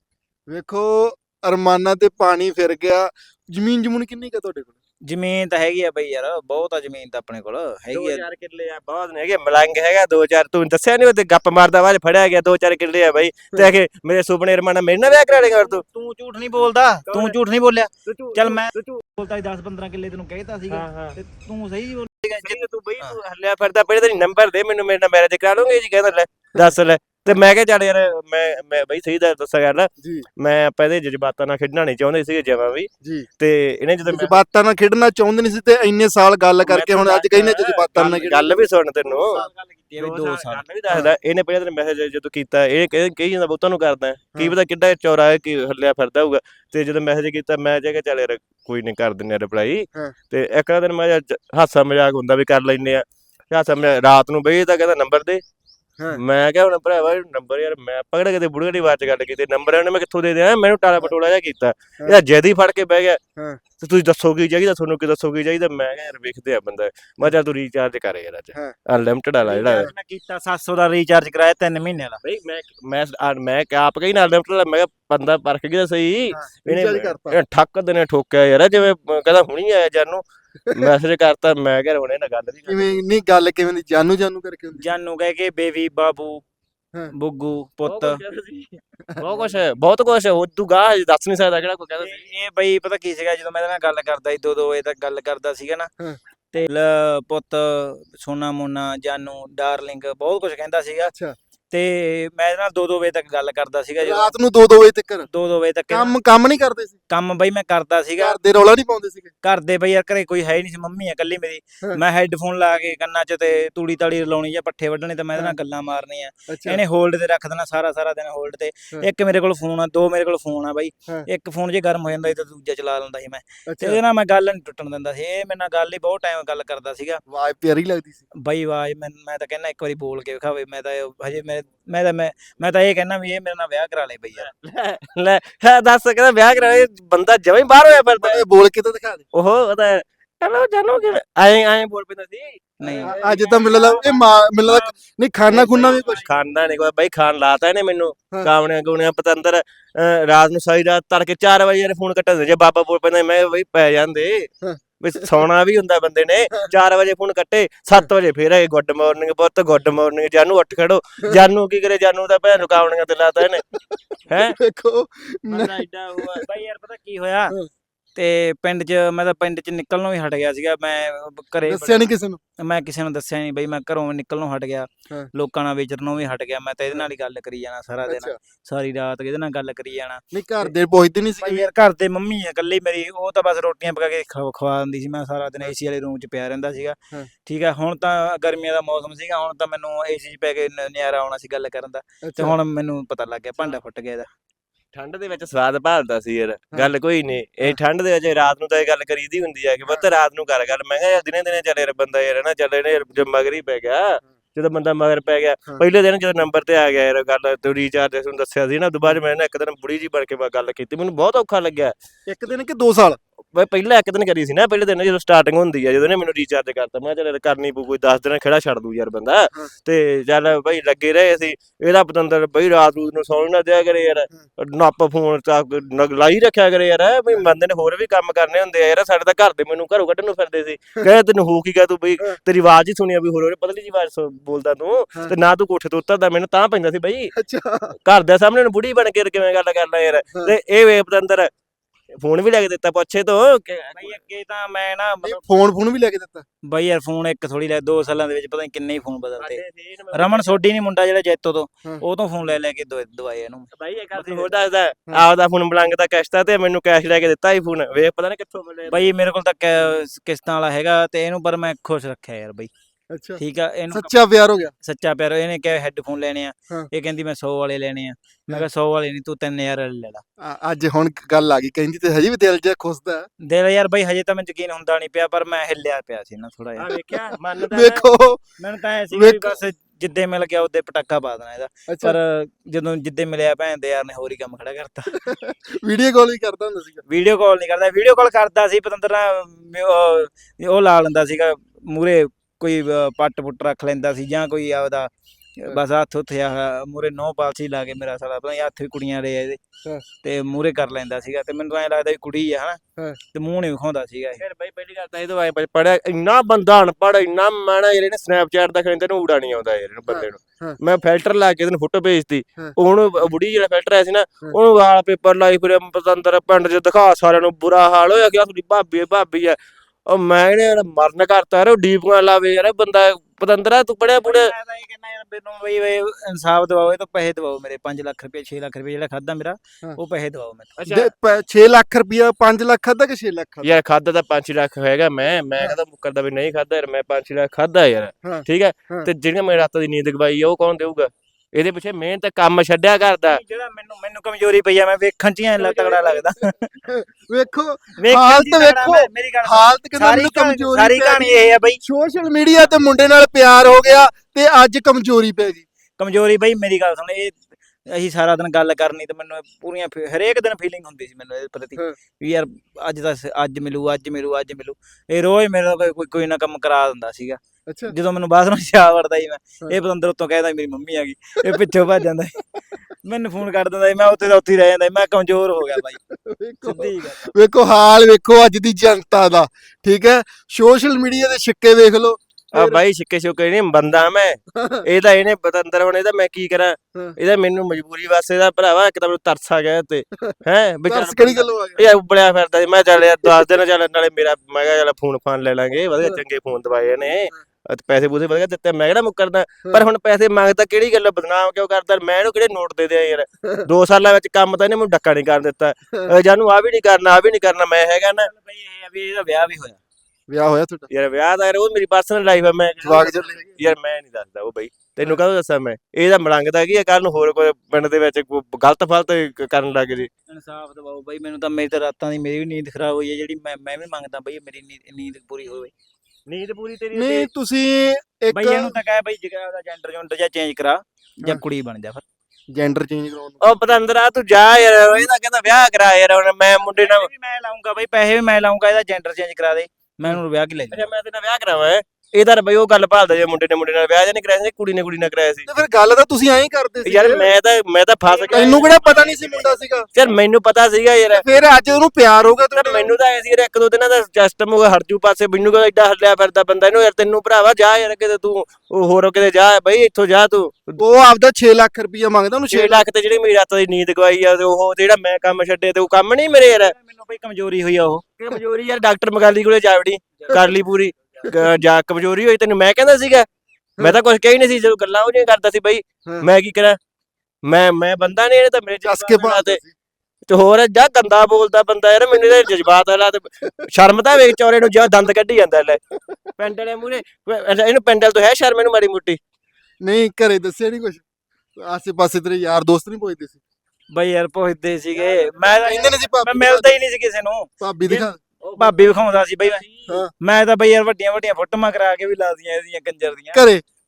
S1: ਵੇਖੋ ਅਰਮਾਨਾਂ ਤੇ ਪਾਣੀ ਫਿਰ ਗਿਆ। ਜ਼ਮੀਨ ਜਮੂਨ ਕਿੰਨੀ ਕੁ ਤੁਹਾਡੇ ਕੋਲ?
S2: ਜ਼ਮੀਨ ਤਾਂ ਹੈਗੀ ਆ ਬਈ ਯਾਰ, ਬਹੁਤ ਆ ਜ਼ਮੀਨ ਤਾਂ ਆਪਣੇ ਕੋਲ
S3: ਦੋ
S2: ਹੈਗੀ ਆ।
S3: ਚਾਰ ਕਿੱਲੇ ਆ ਬਹੁਤ ਨੇ ਹੈਗੇ ਮਲੰਗ ਹੈਗਾ ਦੋ ਚਾਰ ਤੂੰ ਦੱਸਿਆ ਨਹੀਂ ਉਹਦੇ ਗੱਪ ਮਾਰਦਾ ਬਾਅਦ ਫੜਿਆ ਗਿਆ ਦੋ ਚਾਰ ਕਿੱਲੇ ਆ ਬਾਈ ਤੇ ਆਖੇ ਮੇਰੇ ਸੁਪਨੇ ਰਮਾਨਾ ਮੇਰੇ ਨਾਲ ਵਿਆਹ ਕਰਾ ਲੇਗਾ ਤੂੰ
S2: ਤੂੰ ਝੂਠ ਨਹੀਂ ਬੋਲਦਾ, ਤੂੰ ਝੂਠ ਨਹੀਂ ਬੋਲਿਆ।
S3: ਤੂੰ
S2: ਚੱਲ ਮੈਂ ਬੋਲਦਾ ਸੀ ਦਸ ਪੰਦਰਾਂ ਕਿੱਲੇ ਤੈਨੂੰ ਕਹਿਤਾ ਸੀਗਾ
S3: ਹਾਂ ਹਾਂ
S2: ਤੇ ਤੂੰ ਸਹੀ ਬੋਲ
S3: ਜੇ ਤੂੰ ਬਈ ਤੂੰ ਹੱਲਿਆ ਫਿਰਦਾ ਪਹਿਲੇ ਤੇਰੀ ਨੰਬਰ ਦੇ ਮੈਨੂੰ ਮੇਰੇ ਨਾਲ ਮੈਰਿਜ ਕਰਾ ਲੂੰਗੇ ਜੀ ਕਹਿੰਦਾ ਲੈ ਦੱਸ ਲੈ ਤੇ ਮੈਂ ਕਿਹਾ ਚੱਲ ਯਾਰ ਮੈਂ ਮੈਂ ਬਈ ਸਹੀ ਦਾ ਦੱਸਾਂ ਗੱਲ
S1: ਜੀ
S3: ਮੈਂ ਆਪਾਂ ਇਹਦੇ ਜਜ਼ਬਾਤਾਂ ਨਾਲ ਖੇਡਣਾ ਨਹੀਂ ਚਾਹੁੰਦੇ ਸੀਗੇ ਜਮਾਂ ਵੀ
S1: ਜੀ
S3: ਤੇ ਇਹਨੇ ਜਦੋਂ ਮੈਂ-
S1: ਜਜ਼ਬਾਤਾਂ ਨਾਲ ਖੇਡਣਾ ਚਾਹੁੰਦੇ ਨਹੀਂ ਸੀ ਤੇ ਇੰਨੇ ਸਾਲ ਗੱਲ ਕਰਕੇ ਹੁਣ ਅੱਜ ਕਹਿੰਦੇ ਜਜ਼ਬਾਤਾਂ ਨਾਲ
S3: ਗੱਲ- ਗੱਲ ਵੀ ਸੁਣ ਤੈਨੂੰ
S2: ਗੱਲ ਕੀਤੀ ਆ ਵੀ ਦੋ ਸਾਲ
S3: ਗੱਲ ਵੀ ਦੱਸਦਾ ਇਹਨੇ ਪਹਿਲਾਂ ਤੈਨੂੰ ਮੈਸੇਜ ਜਦੋਂ ਕੀਤਾ ਇਹ ਕਹੀ ਕਹੀ ਜਾਂਦਾ ਬਹੁਤਾਂ ਨੂੰ ਕਰਦਾ ਕੀ ਪਤਾ ਕਿੱਡਾ ਚੌਰਾ ਹੈ ਕਿ ਹੱਲਿਆ ਫਿਰਦਾ ਹੋਊਗਾ ਤੇ ਜਦੋਂ ਮੈਸੇਜ ਕੀਤਾ ਮੈਂ ਜੇ ਕਿ ਚੱਲ ਯਾਰ ਕੋਈ ਨਹੀਂ ਕਰ ਦਿੰਦੇ ਰਿਪਲਾਈ
S1: ਹਾਂ।
S3: ਤੇ ਇੱਕ ਦਿਨ ਮੈਂ ਕਿਹਾ ਚ- ਹਾਸਾ ਮਜ਼ਾਕ ਹੁੰਦਾ ਵੀ ਕਰ ਲੈਨੇ ਆ ਹਾਸਾ ਮਜ਼ਾਕ ਰਾਤ ਨੂੰ ਬਈ ਤਾਂ ਕਹਿੰਦਾ ਨੰਬਰ ਦੇ
S1: ਹਾਂ।
S3: ਮੈਂ ਕਿਹਾ ਹੁਣ ਭਰਾਵਾ ਨੰਬਰ ਯਾਰ ਮੈਂ ਪਕੜ ਕੇ ਤੇ ਬੁੜੀਆਂ ਦੀ ਬਾਤ ਚ ਗੱਲ ਕੀਤੀ ਨੰਬਰ ਇਹਨੇ ਮੈਂ ਕਿੱਥੋਂ ਦੇ ਦਿਆਂ ਮੈਨੂੰ ਟਾਲਾ ਪਟੋਲਾ ਜਿਹਾ ਕੀਤਾ ਇਹਦਾ ਜੈਦੀ ਫੜ ਕੇ ਬਹਿ ਗਿਆ
S1: ਹਾਂ।
S3: ਤੇ ਤੁਸੀਂ ਦੱਸੋ ਕੀ ਚਾਹੀਦਾ ਤੁਹਾਨੂੰ ਕੀ ਦੱਸੋ ਕੀ ਚਾਹੀਦਾ ਮੈਂ ਕਿਹਾ ਯਾਰ ਵੇਖਦੇ ਆ ਬੰਦਾ ਮੈਂ ਕਿਹਾ ਚੱਲ ਤੂੰ ਰੀਚਾਰਜ ਕਰ ਯਾਰ ਅੱਜ
S1: ਹਾਂ।
S3: ਅਨਲਿਮਟਿਡ ਵਾਲਾ ਜਿਹੜਾ
S2: ਮੈਂ ਕੀਤਾ ਸੱਤ ਸੌ ਦਾ ਰੀਚਾਰਜ ਕਰਾਇਆ ਤਿੰਨ ਮਹੀਨੇ ਦਾ।
S3: ਬਈ ਮੈਂ ਮੈਂ ਆ- ਮੈਂ ਕਿ ਆਪ ਕਹੀ ਨਾਲ ਲਿਮਟ ਮੈਂ ਕਿਹਾ ਬੰਦਾ ਪਰਖ ਗਿਆ ਸਹੀ ਇਹਨੇ
S1: ਰੀਚਾਰਜ ਕਰਤਾ।
S3: ਇਹਨੇ ਠੱਕ ਦੇ ਨੇ ਠੋਕਿਆ ਯਾਰ ਜਿਵੇਂ ਕਹਿੰਦਾ ਹੁਣੀ ਆਇਆ ਜਾਨੂੰ ਮੈਸੇਜ ਕਰਤਾ ਮੈਂ ਕਿਹਾ ਹੁਣ ਇਹਨਾਂ ਗੱਲ ਨਹੀਂ ਕਰਨੀ।
S1: ਕਿਵੇਂ ਨਹੀਂ ਗੱਲ ਕਿਵੇਂ ਦੀ ਜਾਨੂ ਜਾਨੂ ਕਰਕੇ ਹੁੰਦੀ?
S2: ਜਾਨੂ ਕਹਿ ਕੇ ਬੇਬੀ ਬਾਬੂ
S1: ਹਾਂ।
S2: ਬੁੱਗੂ ਪੁੱਤ
S3: ਬਹੁਤ ਕੁਛ ਸੀ। ਬਹੁਤ ਕੁਛ ਹੈ ਬਹੁਤ ਕੁਛ ਹੈ ਤੂੰ ਗਾਹ ਦੱਸ ਨਹੀਂ ਸਕਦਾ ਕਿਹੜਾ ਕੋਈ ਕਹਿੰਦਾ ਸੀ
S2: ਇਹ ਇਹ ਬਈ ਪਤਾ ਕੀ ਸੀਗਾ, ਜਦੋਂ ਮੈਂ ਇਹਦੇ ਨਾਲ ਗੱਲ ਕਰਦਾ ਸੀ ਦੋ ਦੋ ਵਜੇ ਤੱਕ ਗੱਲ ਕਰਦਾ ਸੀਗਾ ਨਾ
S1: ਹਾਂ।
S2: ਤੇ ਲ- ਪੁੱਤ ਸੋਨਾ ਮੋਨਾ ਜਾਨੂ ਡਾਰਲਿੰਗ ਬਹੁਤ ਕੁਝ ਕਹਿੰਦਾ ਸੀਗਾ
S1: ਅੱਛਾ
S2: ਤੇ ਮੈਂ ਇਹਦੇ ਨਾਲ ਦੋ ਦੋ ਵਜੇ ਤੱਕ ਗੱਲ ਕਰਦਾ ਸੀਗਾ। ਜਦੋਂ
S1: ਰਾਤ ਨੂੰ ਦੋ ਦੋ ਵਜੇ ਤੱਕ
S2: ਦੋ ਦੋ ਵਜੇ ਤੱਕ ਇਹਦੇ ਨਾਲ
S1: ਕੰਮ ਕੰਮ ਨਹੀਂ ਕਰਦੇ ਸੀ?
S2: ਕੰਮ ਬਈ ਮੈਂ ਕਰਦਾ ਸੀਗਾ।
S1: ਘਰ ਦੇ ਰੌਲਾ ਨਹੀਂ ਪਾਉਂਦੇ ਸੀਗੇ?
S2: ਘਰ ਦੇ ਬਈ ਯਾਰ ਘਰੇ ਕੋਈ ਹੈ ਹੀ ਨਹੀਂ ਸੀ, ਮੰਮੀ ਆ ਇਕੱਲੀ ਮੇਰੀ।
S1: ਹਾਂ।
S2: ਮੈਂ ਹੈੱਡਫੋਨ ਲਾ ਕੇ ਕੰਨਾਂ 'ਚ ਤੇ ਤੂੜੀ ਤਾੜੀ ਲਾਉਣੀ ਜਾਂ ਪੱਠੇ ਵੱਢਣੇ ਤੇ ਮੈਂ ਇਹਦੇ ਨਾਲ
S1: ਹਾਂ।
S2: ਗੱਲਾਂ ਮਾਰਨੀਆਂ।
S1: ਅੱਛਾ
S2: ਇਹਨੇ ਹੋਲਡ ਤੇ ਰੱਖ ਦੇਣਾ ਸਾਰਾ ਸਾਰਾ ਦਿਨ ਹੋਲਡ ਤੇ।
S1: ਹਾਂ।
S2: ਇੱਕ ਮੇਰੇ ਕੋਲ ਫੋਨ ਆ, ਦੋ ਮੇਰੇ ਕੋਲ ਫੋਨ ਆ ਬਾਈ।
S1: ਹਾਂ।
S2: ਇੱਕ ਫੋਨ ਜੇ ਗਰਮ ਹੋ ਜਾਂਦਾ ਸੀ ਤਾਂ ਦੂਜਾ ਚਲਾ ਲੈਂਦਾ ਸੀ ਮੈਂ ਤੇ
S1: ਅੱਛਾ
S2: ਇਹਦੇ ਨਾਲ ਮੈਂ ਗੱਲ ਨਹੀਂ ਟੁੱਟਣ ਦਿੰਦਾ ਸੀ। ਇਹ ਮੇਰੇ ਨਾਲ ਗੱਲ ਹੀ ਬਹੁਤ ਟਾਈਮ ਗੱਲ ਕਰਦਾ ਸੀਗਾ
S1: ਆਵਾਜ਼ ਪਿਆਰੀ ਲੱਗਦੀ ਸੀ।
S2: ਬਾਈ ਆਵਾਜ਼ ਮੈਂ ਮੈਂ ਤਾਂ ਕਹਿੰਦਾ ਇੱਕ ਵਾਰੀ ਬੋਲ ਕੇ ਵਿਖਾਵੇ। ਮੈਂ ਤਾਂ ਇਹ- ਹਜੇ ਮੈਂ ਮੈਂ ਤਾਂ ਮੈਂ ਮੈਂ ਤਾਂ ਇਹ ਕਹਿੰਦਾ ਵੀ ਇਹ ਮੇਰੇ ਨਾਲ ਵਿਆਹ ਕਰਾ ਲੇ ਬਈ ਯਾਰ।
S3: ਲੈ ਲੈ ਹੈ ਦੱਸ ਕਹਿੰਦਾ ਵਿਆਹ ਕਰਾ ਲਿਆ, ਬੰਦਾ ਜਮਾਂ ਹੀ ਬਾਹਰ ਹੋਇਆ ਫਿਰਦਾ
S1: ਇਹ ਬੋਲ ਕੇ ਤਾਂ ਦਿਖਾ ਦੇ।
S3: ਉਹ ਉਹਦਾ ਚਲੋ ਜਾਨੋ ਕਿ ਐਂ ਐਂ ਬੋਲ ਪੈਂਦਾ ਸੀ
S2: ਨਹੀਂ
S1: ਅੱਜ ਤਾਂ ਮੈਨੂੰ ਲੱਗਦਾ ਇਹ ਮਾਂ ਮੈਨੂੰ ਲੱਗਦਾ ਨਹੀਂ ਖਾਣਾ ਖੁਣਾ ਵੀ ਕੁਛ
S3: ਖਾਂਦਾ ਨਹੀਂ ਕੋਈ ਬਾਈ ਖਾਣ ਲਾਤਾ ਇਹਨੇ ਮੈਨੂੰ
S1: ਹਾਂ।
S3: ਕਾਵਣਿਆਂ ਗੁਣਿਆਂ ਪਤੰਦਰ ਅਹ ਰਾਤ ਨੂੰ ਸਾਰੀ ਰਾਤ ਤੜਕੇ ਚਾਰ ਵਜੇ ਇਹਨੇ ਫੋਨ ਕੱਟਿਆ ਜੇ ਬਾਬਾ ਬੋਲ ਪੈਂਦਾ ਮੈਂ ਬਈ ਪੈ ਜਾਂਦੇ
S1: ਹਾਂ।
S3: ਵੀ ਸੌਣਾ ਵੀ ਹੁੰਦਾ ਬੰਦੇ ਨੇ ਚਾਰ ਵਜੇ ਫੋਨ ਕੱਟੇ ਸੱਤ ਵਜੇ ਫੇਰ ਆਏ ਗੁੱਡ ਮਾਰਨਿੰਗ ਪੁੱਤ ਗੁੱਡ ਮਾਰਨਿੰਗ ਜਾਨੂ ਉੱਠ ਖੜੋ ਜਾਨੂ ਕੀ ਕਰੇ ਜਾਨੂ ਤਾਂ ਭੈਣ ਨੂੰ ਕਾਵਣੀਆਂ ਤੇ ਲਾਤਾ ਇਹਨੇ ਹੈ
S1: ਵੇਖੋ
S2: ਬੰਦਾ ਐਡਾ ਉਹ ਆ। ਬਾਈ ਯਾਰ ਪਤਾ ਕੀ ਹੋਇਆ
S1: ਹਾਂ।
S2: ਤੇ ਪਿੰਡ 'ਚ ਮੈਂ ਤਾਂ ਪਿੰਡ 'ਚ ਨਿਕਲਣੋਂ ਵੀ ਹਟ ਗਿਆ ਸੀਗਾ। ਮੈਂ ਘਰੇ
S1: ਦੱਸਿਆ ਨਹੀਂ ਕਿਸੇ ਨੂੰ?
S2: ਮੈਂ ਕਿਸੇ ਨੂੰ ਦੱਸਿਆ ਨਹੀਂ ਬਈ, ਮੈਂ ਘਰੋਂ ਨਿਕਲਣੋਂ ਹਟ ਗਿਆ।
S1: ਹਾਂ।
S2: ਲੋਕਾਂ ਨਾਲ ਵਿਚਰਨੋਂ ਵੀ ਹਟ ਗਿਆ। ਮੈਂ ਤਾਂ ਇਹਦੇ ਨਾਲ ਹੀ ਗੱਲ ਕਰੀ ਜਾਣਾ ਸਾਰਾ ਦਿਨ,
S1: ਅੱਛਾ
S2: ਸਾਰੀ ਰਾਤ ਇਹਦੇ ਨਾਲ ਗੱਲ ਕਰੀ ਜਾਣਾ।
S1: ਨਹੀਂ ਘਰ ਦੇ ਪੁੱਛਦੇ ਨਹੀਂ
S2: ਬਾਈ
S1: ਸੀ?
S2: ਯਾਰ ਘਰ ਦੇ ਮੰਮੀ ਆ ਇਕੱਲੀ ਮੇਰੀ, ਉਹ ਤਾਂ ਬਸ ਰੋਟੀਆਂ ਪਕਾ ਕੇ ਖਵਾ ਖਵਾ ਦਿੰਦੀ ਸੀ। ਮੈਂ ਸਾਰਾ ਦਿਨ ਏਸੀ ਵਾਲੇ ਰੂਮ 'ਚ ਪਿਆ ਰਹਿੰਦਾ ਸੀਗਾ।
S1: ਹਾਂ।
S2: ਠੀਕ ਆ, ਹੁਣ ਤਾਂ ਗਰਮੀਆਂ ਦਾ ਮੌਸਮ ਸੀਗਾ, ਹੁਣ ਤਾਂ ਮੈਨੂੰ ਏਸੀ 'ਚ ਪੈ ਕੇ ਨ- ਨਜ਼ਾਰਾ ਆਉਣਾ ਸੀ ਗੱਲ ਕਰਨ ਦਾ। ਤੇ
S1: ਅੱਛਾ
S2: ਹੁਣ ਮੈਨੂੰ ਪਤਾ ਲੱਗ ਗਿਆ ਭਾਂਡਾ ਫੁੱਟ ਗਿਆ ਇਹਦਾ।
S3: ਠੰਡ ਦੇ ਵਿੱਚ ਸਵਾਦ ਭਾਲਦਾ ਸੀ ਯਾਰ ਗੱਲ ਕੋਈ ਨਹੀਂ ਇਹ ਠੰਡ ਦੇ ਵਿੱਚ ਰਾਤ ਨੂੰ ਤਾਂ ਇਹ ਗੱਲ ਕਰੀਦੀ ਹੁੰਦੀ ਆ ਕਿ ਪੁੱਤ ਰਾਤ ਨੂੰ ਕਰ ਗੱਲ ਮੈਂ ਕਿਹਾ ਯਾਰ ਦਿਨੇ ਦਿਨੇ ਚੱਲੇ ਯਾਰ ਬੰਦਾ ਯਾਰ ਨਾ ਚੱਲੇ ਨੇ ਜੇ ਮਗਰ ਹੀ ਪੈ ਗਿਆ ਜਦੋਂ ਬੰਦਾ ਮਗਰ ਪੈ ਗਿਆ
S1: ਹਾਂ।
S3: ਪਹਿਲੇ ਦਿਨ ਜਦੋਂ ਨੰਬਰ ਤੇ ਆ ਗਿਆ ਯਾਰ ਗੱਲ ਤੇ ਰੀਚਾਰਜ ਤੁਹਾਨੂੰ ਦੱਸਿਆ ਸੀ ਨਾ ਉਦੋਂ ਬਾਅਦ ਮੈਂ ਨਾ ਇੱਕ ਦਿਨ ਬੁੜੀ ਜੀ ਬਣ ਕੇ ਗੱਲ ਕੀਤੀ ਮੈਨੂੰ ਬਹੁਤ ਔਖਾ ਲੱਗਿਆ
S1: ਇੱਕ ਦਿਨ ਕਿ ਦੋ ਸਾਲ
S3: ਬਈ ਪਹਿਲਾਂ ਇੱਕ ਦਿਨ ਕਰੀ ਸੀ ਨਾ ਪਹਿਲੇ ਦਿਨ ਜਦੋਂ ਸਟਾਰਟਿੰਗ ਹੁੰਦੀ ਆ ਜਦੋਂ ਨੇ ਮੈਨੂੰ ਰੀਚਾਰਜ ਕਰਤਾ ਮੈਂ ਕਿਹਾ ਚੱਲ ਕਰਨੀ ਪਊ ਕੋਈ ਦਸ ਦਿਨ ਖੜਾ ਛੱਡ ਦੂ ਯਾਰ ਬੰਦਾ
S1: ਹਾਂ।
S3: ਤੇ ਚੱਲ ਬਈ ਲੱਗੇ ਰਹੇ ਅਸੀਂ ਇਹਦਾ ਪਤੰਦਰ ਬਈ ਰਾਤ ਨੂੰ ਸੌਣ ਨਾ ਦਿਆ ਕਰੇ ਯਾਰ ਨੱਪ ਫੋਨ ਤੱਕ ਲਾਈ ਰੱਖਿਆ ਕਰੇ ਯਾਰ ਬਈ ਬੰਦੇ ਨੇ ਹੋਰ ਵੀ ਕੰਮ ਕਰਨੇ ਹੁੰਦੇ ਆ ਯਾਰ ਸਾਡੇ ਤਾਂ ਘਰ ਦੇ ਮੈਨੂੰ ਘਰੋਂ ਕੱਢਣ ਨੂੰ ਫਿਰਦੇ ਸੀ ਕਹੇ ਤੈਨੂੰ ਹੋ ਕੀ ਗਿਆ ਤੂੰ ਬਈ ਤੇਰੀ ਆਵਾਜ਼ ਹੀ ਸੁਣੀ ਆ ਵੀ ਹੋਰ ਹੋਰ ਪਤਲੀ ਜੀ ਆਵਾਜ਼ ਸੁ- ਬੋਲਦਾ ਤੂੰ ਤੇ ਨਾ ਤੂੰ ਕੋਠੇ ਤੋਂ ਉਤਰਦਾ ਮੈਨੂੰ ਤਾਂ ਪੈਂਦਾ ਸੀ ਬਈ
S1: ਅੱਛਾ
S3: ਘਰ ਦੇ ਸਾਹਮਣੇ ਨੂੰ ਬੁੜੀ ਬਣ ਕੇ ਕਿਵੇਂ ਗੱਲ ਕਰਨਾ ਯਾਰ
S1: ਹਾਂ।
S3: ਤੇ ਇਹ ਵੇ ਪਤੰਦਰ ਫੋਨ ਵੀ ਲੈ ਕੇ ਦਿੱਤਾ ਪੁੱਛੇ ਤੋਂ ਕਿ-
S2: ਬਈ ਅੱਗੇ ਤਾਂ ਮੈਂ ਨਾ
S1: ਨਹੀਂ ਫੋਨ ਫੋਨ ਵੀ ਲੈ ਕੇ ਦਿੱਤਾ
S2: ਬਈ ਯਾਰ ਫੋਨ ਇੱਕ ਥੋੜੀ ਲੈ ਦੋ ਸਾਲਾਂ ਦੇ ਵਿੱਚ ਪਤਾ ਨਹੀਂ ਕਿੰਨੇ ਹੀ ਫੋਨ ਬਦਲਤੇ ਰਮਨ ਸੋਢੀ ਨਹੀਂ ਮੁੰਡਾ ਜਿਹੜਾ ਜੈਤੋ ਤੋਂ
S1: ਹਾਂ।
S2: ਉਹ ਤੋਂ ਫੋਨ ਲੈ ਲੈ ਕੇ ਦਵਾ- ਦਵਾਏ ਇਹਨੂੰ
S3: ਬਾਈ ਇਹ ਗੱਲ ਹੋਰ ਦੱਸਦਾ ਆਪਦਾ ਫੋਨ ਬਲੰਗ ਦਾ ਕੈਸ਼ਤਾ ਤੇ ਮੈਨੂੰ ਕੈਸ਼ ਲੈ ਕੇ ਦਿੱਤਾ ਹੀ ਫੋਨ ਵੇਖ ਪਤਾ ਨਹੀਂ ਕਿੱਥੋਂ ਮਿਲਿਆ
S2: ਬਈ ਮੇਰੇ ਕੋਲ ਤਾਂ ਕੈ- ਕਿਸ਼ਤਾਂ ਵਾਲਾ ਹੈਗਾ ਤੇ ਇਹਨੂੰ ਪਰ ਮੈਂ ਖੁਸ਼ ਰੱਖਿਆ ਯਾਰ ਬਈ
S1: ਅੱਛਾ
S2: ਠੀਕ ਆ ਇਹਨੂੰ
S1: ਸੱਚਾ ਪਿਆਰ ਹੋ ਗਿਆ
S2: ਸੱਚਾ ਪਿਆਰ ਇਹਨੇ ਕਿਹਾ ਹੈੱਡਫੋਨ ਲੈਣੇ ਆ
S1: ਹਾਂ।
S2: ਇਹ ਕਹਿੰਦੀ ਮੈਂ ਸੌ ਵਾਲੇ ਲੈਣੇ ਆ ਮੈਂ ਕਿਹਾ ਸੌ ਵਾਲੇ ਨਹੀਂ ਤੂੰ ਤਿੰਨ ਹਜ਼ਾਰ ਵਾਲੇ ਲੈ ਲਾ
S1: ਆ- ਅੱਜ ਹੁਣ ਗੱਲ ਆ ਗਈ ਕਹਿੰਦੀ ਤੇ ਹਜੇ ਵੀ ਦਿਲ ਜਿਹਾ ਖੁੱਸਦਾ ਹੈ।
S2: ਦਿਲ ਯਾਰ ਬਈ ਹਜੇ ਤਾਂ ਮੈਨੂੰ ਯਕੀਨ ਹੁੰਦਾ ਨਹੀਂ ਪਿਆ ਪਰ ਮੈਂ ਹਿੱਲਿਆ ਪਿਆ ਸੀ ਨਾ ਥੋੜਾ
S3: ਆ
S2: ਜਿਹਾ
S3: ਵੇਖਿਆ ਮੰਨਦਾ ਨਾ।
S1: ਵੇਖੋ
S2: ਮੈਨੂੰ ਤਾਂ ਐ ਸੀ ਵੀ
S1: ਵੇਖੋ।
S2: ਬਸ ਜਿੱਦੇ ਮਿਲ ਗਿਆ ਉਹਦੇ ਪਟਾਕਾ ਪਾ ਦੇਣਾ ਇਹਦਾ
S1: ਅੱਛਾ
S2: ਪਰ ਜਦੋਂ ਜਿੱਦੇ ਮਿਲਿਆ ਭੈਣ ਦੇ ਯਾਰ ਨੇ ਹੋਰ ਹੀ ਕੰਮ ਖੜਾ ਕਰਤਾ
S1: ਵੀਡੀਓ ਕਾਲ ਹੀ ਕਰਦਾ ਹੁੰਦਾ ਸੀਗਾ
S2: ਵੀਡੀਓ ਕਾਲ ਨਹੀਂ ਕਰਦਾ ਵੀਡੀਓ ਕਾਲ ਕਰਦਾ ਸੀ ਪਤੰਦਰ ਨਾਲ ਮ- ਉਹ- ਉਹ ਲਾ ਲੈਂਦਾ ਸੀਗਾ ਮੂਰੇ ਕੋਈ ਅਹ, ਪੱਟ ਪੁੱਟ ਰੱਖ ਲੈਂਦਾ ਸੀ ਜਾਂ ਕੋਈ ਆਪਦਾ ਬਸ ਹੱਥ ਉੱਥੇ ਆ ਮੂਰੇ ਨੌ ਪਾਲਸੀ ਲਾ ਕੇ ਮੇਰਾ ਸਾਲਾ ਪਤਾ ਨੀ ਹੱਥ ਵੀ ਕੁੜੀਆਂ ਦੇ ਆ ਇਹਦੇ
S1: ਹਾਂ।
S2: ਤੇ ਮੂਰੇ ਕਰ ਲੈਂਦਾ ਸੀਗਾ ਤੇ ਮੈਨੂੰ ਐਂ ਲੱਗਦਾ ਵੀ ਕੁੜੀ ਆ ਹਨਾ
S1: ਹਾਂ।
S2: ਤੇ ਮੂੰਹ ਨਹੀਂ ਵਿਖਾਉਂਦਾ ਸੀਗਾ ਇਹ
S3: ਫਿਰ ਬਈ ਪਹਿਲੀ ਗੱਲ ਤਾਂ ਇਹ ਤੋਂ ਆਏ ਪੜਿਆ ਇੰਨਾ ਬੰਦਾ ਅਨਪੜ ਇੰਨਾ ਮਾਣਾ ਯਾਰ ਇਹਨੇ ਸਨੈਪਚੈਟ ਦਾ ਖਿੰਦੇ ਨੂੰ ਊੜਾ ਨਹੀਂ ਆਉਂਦਾ ਯਾਰ ਇਹਨੂੰ ਬੰਦੇ
S1: ਹਾਂ।
S3: ਨੂੰ ਮੈਂ ਫਿਲਟਰ ਲਾ ਕੇ ਇਹਨੂੰ ਫੋਟੋ ਭੇਜਤੀ
S1: ਹਾਂ।
S3: ਉਹਨੂੰ ਬੁੜੀ ਜਿਹੜਾ ਫਿਲਟਰ ਆਇਆ ਸੀ ਨਾ
S1: ਹਾਂ।
S3: ਉਹਨੂੰ ਵਾਲ ਪੇਪਰ ਲਾਈ ਫਿਰ ਪਤੰਦਰ ਪਿੰਡ 'ਚ ਦਿਖਾ ਸਾਰਿਆਂ ਨੂੰ ਬੁਰਾ ਹਾਲ ਹੋਇਆ ਕਿ ਤੁਹਾਡੀ ਭਾਬੀ ਹੈ ਭਾਬੀ ਹੈ ਉਹ ਮੈਂ ਇਹਨੇ ਯਾਰ ਮਰਨ ਕਰਤਾ ਯਾਰ ਉਹ ਡੀਪੀਆਂ ਲਾਵੇ ਯਾਰ ਬੰਦਾ ਪਤੰਦਰਾ ਤੂੰ ਪੜਿਆ ਪੁੜਿਆ
S2: ਮੈਂ ਤਾਂ ਇਹ ਕਹਿੰਦਾ ਯਾਰ ਮੈਨੂੰ ਬਈ ਬਈ ਇਨਸਾਫ ਦਿਵਾਓ ਇਹ ਤਾਂ ਪੈਸੇ ਦਿਵਾਓ ਮੇਰੇ ਪੰਜ ਲੱਖ ਰੁਪਏ ਛੇ ਲੱਖ ਰੁਪਏ ਜਿਹੜਾ ਖਾਦਾ ਮੇਰਾ
S1: ਹਾਂ।
S2: ਉਹ ਪੈਸੇ ਦਿਵਾਓ ਮੈਨੂੰ
S1: ਛੇ ਲੱਖ ਰੁਪਇਆ ਪੰਜ ਲੱਖ ਖਾਦਾ ਕਿ ਛੇ ਲੱਖ ਖਾਦਾ
S3: ਯਾਰ ਖਾਦਾ ਤਾਂ ਪੰਜ ਲੱਖ ਹੈਗਾ ਮੈਂ ਮੈਂ ਕਹਿੰਦਾ ਮੁੱਕਰਦਾ ਵੀ ਨਹੀਂ ਖਾਦਾ ਯਾਰ ਮੈਂ ਪੰਜ ਲੱਖ ਖਾਦਾ ਯਾਰ
S1: ਹਾਂ।
S3: ਠੀਕ ਹੈ
S1: ਹਾਂ।
S3: ਤੇ ਜਿਹੜੀਆਂ ਮੈਂ ਰਾਤਾਂ ਦੀ ਨੀਂਦ ਗਵਾਈ ਆ ਉਹ ਕੌਣ ਦੇਊਗਾ ਇਹਦੇ ਪਿੱਛੇ ਮਿਹਨਤ ਕੰਮ ਛੱਡਿਆ ਕਰਦਾ
S2: ਜਿਹੜਾ ਮੈਨੂੰ ਮੈਨੂੰ ਕਮਜ਼ੋਰੀ ਪਈ ਆ ਮੈਂ ਵੇਖਣ ਚ ਹੀ ਐਂ ਤਗੜਾ ਲੱਗਦਾ
S1: ਵੇਖੋ
S2: ਵੇਖਣ
S1: ਹਾਲਤ
S2: ਚ ਹੀ ਤਗੜਾ
S1: ਵੇਖੋ।
S2: ਮੈਂ- ਮੇਰੀ ਗੱਲ ਸੁਣ।
S1: ਹਾਲਤ ਕਿਦਾਂ
S2: ਸਾਰੀ
S1: ਮੈਨੂੰ
S2: ਕਹਾਣੀ-
S1: ਕਮਜ਼ੋਰੀ
S2: ਸਾਰੀ
S1: ਪੈ
S2: ਕਹਾਣੀ
S1: ਗਈ।
S2: ਇਹ ਆ ਬਈ
S1: ਸੋਸ਼ਲ ਮੀਡੀਆ ਤੇ ਮੁੰਡੇ ਨਾਲ ਪਿਆਰ ਹੋ ਗਿਆ ਤੇ ਅੱਜ ਕਮਜ਼ੋਰੀ ਪੈ ਗਈ
S2: ਕਮਜ਼ੋਰੀ ਬਈ ਮੇਰੀ ਗੱਲ ਸੁਣ ਇਹ ਅਸੀਂ ਸਾਰਾ ਦਿਨ ਗੱਲ ਕਰਨੀ ਤੇ ਮੈਨੂੰ ਪੂਰੀਆਂ ਫੀ- ਹਰੇਕ ਦਿਨ ਫੀਲਿੰਗ ਹੁੰਦੀ ਸੀ ਮੈਨੂੰ ਇਹਦੇ ਪ੍ਰਤੀ
S1: ਹਾਂ।
S2: ਵੀ ਯਾਰ ਅੱਜ ਦਾ ਸ- ਅੱਜ ਮਿਲੂ ਅੱਜ ਮਿਲੂ ਅੱਜ ਮਿਲੂ ਇਹ ਰੋਜ਼ ਮੇਰਾ ਕੋਈ ਕੋਈ- ਕੋਈ ਨਾ ਕੰਮ ਕਰਾ ਦਿੰਦਾ ਸੀਗਾ
S1: ਅੱਛਾ
S2: ਜਦੋਂ ਮੈਨੂੰ ਬਾਥਰੂਮ ਚਾ ਵੜਦਾ ਸੀ ਮੈਂ
S1: ਹਾਂ।
S2: ਇਹ ਪਤੰਦਰ ਉੱਤੋਂ ਕਹਿੰਦਾ ਮੇਰੀ ਮੰਮੀ ਆ ਗਈ ਇਹ ਪਿੱਛੋਂ ਭੱਜ ਜਾਂਦਾ ਸੀ। ਮੈਨੂੰ ਫੋਨ ਕਰ ਦਿੰਦਾ ਸੀ ਮੈਂ ਉੱਥੇ ਦਾ ਉੱਥੇ ਹੀ ਰਹਿ ਜਾਂਦਾ ਸੀ। ਮੈਂ ਕਮਜ਼ੋਰ ਹੋ ਗਿਆ ਬਾਈ
S1: ਵੇਖੋ
S2: ਸਿੱਧੀ ਗੱਲ ਆ।
S1: ਵੇਖੋ ਹਾਲ ਵੇਖੋ ਅੱਜ ਦੀ ਜਨਤਾ ਦਾ ਠੀਕ ਹੈ ਸੋਸ਼ਲ ਮੀਡੀਆ ਦੇ ਛਿੱਕੇ ਵੇਖ ਲਓ
S3: ਆ ਬਾਈ ਛਿੱਕੇ ਛੁੱਕੇ ਨਹੀਂ ਬੰਦਾ ਮੈਂ ਇਹ ਤਾਂ ਇਹਨੇ ਪਤੰਦਰ ਹੁਣ ਇਹਦਾ ਮੈਂ ਕੀ ਕਰਾਂ
S1: ਹਾਂ।
S3: ਇਹਦਾ ਮੈਨੂੰ ਮਜਬੂਰੀ ਵਾਸਤੇ ਦਾ ਭਰਾਵਾ ਇੱਕ ਤਾਂ ਮੈਨੂੰ ਤਰਸ ਆ ਗਿਆ ਤੇ ਹੈ
S1: ਤਰਸ ਕਿਹੜੀ ਗੱਲੋਂ ਆ ਗਿਆ
S3: ਇਹ ਉਬਲਿਆ ਫਿਰਦਾ ਸੀ ਮੈਂ ਚੱਲ ਯਾਰ ਦਸ ਦਿਨ ਚੱਲ ਨਾਲੇ ਮੇਰਾ ਮੈਂ ਕਿਹਾ ਚੱਲ ਫੋਨ ਫਾਨ ਲੈ ਲਾਂਗੇ ਵਧੀਆ ਚੰਗੇ ਫੋਨ ਦਵਾਏ ਨੇ ਅਤੇ ਪੈਸੇ ਪੂਸੇ ਵਧੀਆ ਦਿੱਤੇ ਮੈਂ ਕਿਹੜਾ ਮੁੱਕਰਦਾ ਪਰ ਹੁਣ ਪੈਸੇ ਮੰਗਦਾ ਕਿਹੜੀ ਗੱਲ ਬਦਨਾਮ ਕਿਉਂ ਕਰਦਾ ਮੈਂ ਇਹਨੂੰ ਕਿਹੜੇ ਨੋਟ ਦੇ ਦਿਆਂ ਯਾਰ ਦੋ ਸਾਲਾਂ ਵਿੱਚ ਕੰਮ ਤਾਂ ਇਹਨੇ ਮੈਨੂੰ ਡੱਕਾ ਨਹੀਂ ਕਰਨ ਦਿੱਤਾ ਅਹ ਜਾਨੂੰ ਆ ਵੀ ਨਹੀਂ ਕਰਨਾ ਆ ਵੀ ਨਹੀਂ ਕਰਨਾ ਮੈਂ ਹੈਗਾ ਨਾ
S2: ਬਈ ਇਹ ਆ ਵੀ ਇਹਦਾ ਵਿਆਹ ਵੀ ਹੋਇਆ
S1: ਵਿਆਹ ਹੋਇਆ ਤੁਹਾਡਾ
S3: ਯਾਰ ਵਿਆਹ ਦਾ ਯਾਰ ਉਹ ਮੇਰੀ ਪਰਸਨਲ ਲਾਈਫ ਆ ਮੈਂ
S1: ਜਵਾਕ ਚੱਲੇ
S3: ਯਾਰ ਮੈਂ ਨਹੀਂ ਦੱਸਦਾ ਉਹ ਬਈ ਤੈਨੂੰ ਕਦੋਂ ਦੱਸਾਂ ਮੈਂ ਇਹਦਾ ਮਲੰਗਦਾ ਕੀ ਆ ਕੱਲ ਨੂੰ ਹੋਰ ਕੋਈ ਪਿੰਡ ਦੇ ਵਿੱਚ ਕੋਈ ਗਲਤ ਫਲਤ ਕਰਨ ਲੱਗ ਜੇ
S2: ਇਨਸਾਫ ਦਿਵਾਓ ਬਈ ਮੈਨੂੰ ਤਾਂ ਮੇਰੀ ਤਾਂ ਰਾਤਾਂ ਦੀ ਮੇਰੀ ਵੀ ਨੀਂਦ ਖਰਾਬ ਹੋਈ ਹੈ ਜਿਹੜੀ ਮੈਂ ਮੈਂ ਵੀ ਮੰਗਦਾ ਬਈ ਮੇਰੀ ਨੀਂਦ ਨੀਂਦ ਪੂਰੀ ਹੋਵੇ
S3: ਨੀਂਦ ਪੂਰੀ ਤੇਰੀ
S1: ਨਹੀਂ ਤੁਸੀਂ ਇੱਕ
S2: ਬਈ ਇਹਨੂੰ ਤਾਂ ਕਹੇ ਬਈ ਜਿਹੜਾ ਦਾ ਜੈਂਡਰ ਜੁੰਡਰ ਜਾਂ ਚੇਂਜ ਕਰਾ ਜਾਂ
S1: ਹਾਂ।
S2: ਕੁੜੀ ਬਣ ਜਾ ਫਿਰ
S1: ਜੈਂਡਰ ਚੇਂਜ ਕਰਾਉਣ ਨੂੰ
S3: ਉਹ ਪਤੰਦਰਾ ਤੂੰ ਜਾ ਯਾਰ ਇਹਦਾ ਕਹਿੰਦਾ ਵਿਆਹ ਕਰਾ ਯਾਰ ਹੁਣ ਮੈਂ ਮੁੰਡੇ ਨਾਲ
S2: ਪੈਸੇ ਵੀ ਮੈਂ ਲਾਉਂਗਾ ਬਈ ਪੈਸੇ ਵੀ ਮੈਂ ਲਾਉਂਗਾ ਇਹਦਾ ਜੈਂਡਰ ਚੇਂਜ ਕਰਾ ਦੇ ਮੈਂ ਉਹਨੂੰ ਵਿਆਹ ਕੀ ਲੈ
S3: ਅੱਛਾ ਮੈਂ ਤੇ ਨਾਲ ਵਿਆਹ ਕਰਾਵਾਂ ਇਹਦਾ ਬਈ ਉਹ ਗੱਲ ਭਾਲਦਾ ਜੇ ਮੁੰਡੇ ਨੇ ਮੁੰਡੇ ਨਾਲ ਵਿਆਹ ਜਾਂ ਨਹੀਂ ਕਰਾਇਆ ਸੀ ਕੁੜੀ ਨੇ ਕੁੜੀ ਨਾਲ ਕਰਾਇਆ ਸੀ
S1: ਤੇ ਫਿਰ ਗੱਲ ਤਾਂ ਤੁਸੀਂ ਐਂ ਹੀ ਕਰਦੇ ਸੀ
S3: ਯਾਰ ਮੈਂ ਤਾਂ ਮੈਂ ਤਾਂ ਫਸ ਗਿਆ
S1: ਤੈਨੂੰ ਕਿਹੜਾ ਪਤਾ ਨਹੀਂ ਸੀ ਮੁੰਡਾ ਸੀਗਾ
S3: ਯਾਰ ਮੈਨੂੰ ਪਤਾ ਸੀਗਾ ਯਾਰ
S1: ਫਿਰ ਅੱਜ ਉਹਨੂੰ ਪਿਆਰ ਹੋ ਗਿਆ
S3: ਯਾਰ
S1: ਤੁਹਾਡੇ
S3: ਮੈਨੂੰ ਤਾਂ ਐ ਸੀ ਯਾਰ ਇੱਕ ਦੋ ਦਿਨਾਂ ਦਾ ਸਿਸਟਮ ਹੋ ਗਿਆ ਹਰਜੂ ਪਾਸੇ ਮੈਨੂੰ ਕਹਿੰਦਾ ਐਡਾ ਹੱਲਿਆ ਫਿਰਦਾ ਬੰਦਾ ਇਹਨੂੰ ਯਾਰ ਤੈਨੂੰ ਭਰਾਵਾ ਜਾ ਯਾਰ ਕਿਤੇ ਤੂੰ ਉਹ ਹੋਰ ਕਿਤੇ ਜਾ ਬਈ ਇੱਥੋਂ ਜਾ ਤੂੰ
S1: ਉਹ ਆਪਦਾ ਛੇ ਲੱਖ ਰੁਪਇਆ ਮੰਗਦਾ ਉਹਨੂੰ
S3: ਛੇ ਲੱਖ ਤੇ ਜਿਹੜੀ ਮੇਰੀ ਰਾਤ ਦੀ ਨੀਂਦ ਗਵਾਈ ਆ ਤੇ ਉਹ ਜਿਹੜਾ ਮੈਂ ਕੰਮ ਛੱਡੇ ਤੇ ਉਹ ਕੰਮ ਨਹੀਂ ਮੇਰੇ ਯਾਰ
S2: ਮੈਨੂੰ ਬਈ ਕਮਜ਼ੋਰੀ ਹੋਈ ਆ ਉਹ
S3: ਕਮਜ਼ੋਰੀ ਯਾਰ ਡਾਕਟਰ ਮਗਾਲੀ ਕੋਲੇ ਜਾ ਵੜੀ ਕਰ ਲਈ ਪੂਰੀ ਕ- ਜਾ ਕਮਜ਼ੋਰੀ ਹੋਈ ਤੈਨੂੰ ਮੈਂ ਕਹਿੰਦਾ ਸੀਗਾ ਮੈਂ ਤਾਂ ਕੁਝ ਕਹਿ ਹੀ ਨਹੀਂ ਸੀ ਜਦੋਂ ਗੱਲਾਂ ਉਹ ਜਿਹੀਆਂ ਕਰਦਾ ਸੀ ਬਈ
S1: ਹਾਂ।
S3: ਮੈਂ ਕੀ ਕਰਾਂ ਮੈਂ ਮੈਂ ਬੰਦਾ ਨਹੀਂ ਇਹਨੇ ਤਾਂ ਮੇਰੇ
S1: ਚੱਸ ਕੇ
S3: ਜਜ਼ਬਾਤ
S1: ਪਾਉਂਦਾ
S3: ਤੇ
S1: ਸੀ
S3: ਤੇ ਹੋਰ ਜਾ ਗੰਦਾ ਬੋਲਦਾ ਬੰਦਾ ਯਾਰ ਮੈਨੂੰ ਇਹਦੇ ਜਜ਼ਬਾਤ ਵਾਲਾ ਤੇ ਸ਼ਰਮ ਤਾਂ ਵੇਖ ਚੌਰੇ ਨੂੰ ਜਾ ਦੰਦ ਕੱਢੀ ਜਾਂਦਾ ਲੈ ਪਿੰਡ ਵਾਲੇ ਮੂਹਰੇ ਇਹਨੂੰ ਪਿੰਡਲ ਤੋਂ ਹੈ ਸ਼ਰਮ ਇਹਨੂੰ ਮਾੜੀ ਮੁੱਟੀ
S1: ਨਹੀਂ ਘਰੇ ਦੱਸਿਆ ਨਹੀਂ ਕੁਝ ਆਸੇ ਪਾਸੇ ਤੇਰੇ ਯਾਰ ਦੋਸਤ ਨਹੀਂ ਪੁੱਛਦੇ ਸੀ
S2: ਬਈ ਯਾਰ ਪੁੱਛਦੇ ਸੀਗੇ ਮੈਂ ਤਾਂ
S1: ਕਹਿੰਦੇ ਨਹੀਂ ਸੀ
S2: ਮੈਂ
S1: ਭਾਬੀ
S2: ਮਿਲਦਾ ਹੀ ਨਹੀਂ ਸੀ ਕਿਸੇ ਨੂੰ
S1: ਭਾਬੀ ਦਿਖਾ
S2: ਭਾਬੀ ਵਿਖਾਉਂਦਾ ਸੀ ਬਈ ਮੈਂ
S1: ਹਾਂ।
S2: ਮੈਂ ਤਾਂ ਬਈ ਯਾਰ ਵੱਡੀਆਂ ਵੱਡੀਆਂ ਫੋਟੋਆਂ ਕਰਾ ਕੇ ਵੀ ਲਾਦੀਆਂ ਇਹਦੀਆਂ ਕੰਜਰ ਦੀਆਂ
S1: ਘਰੇ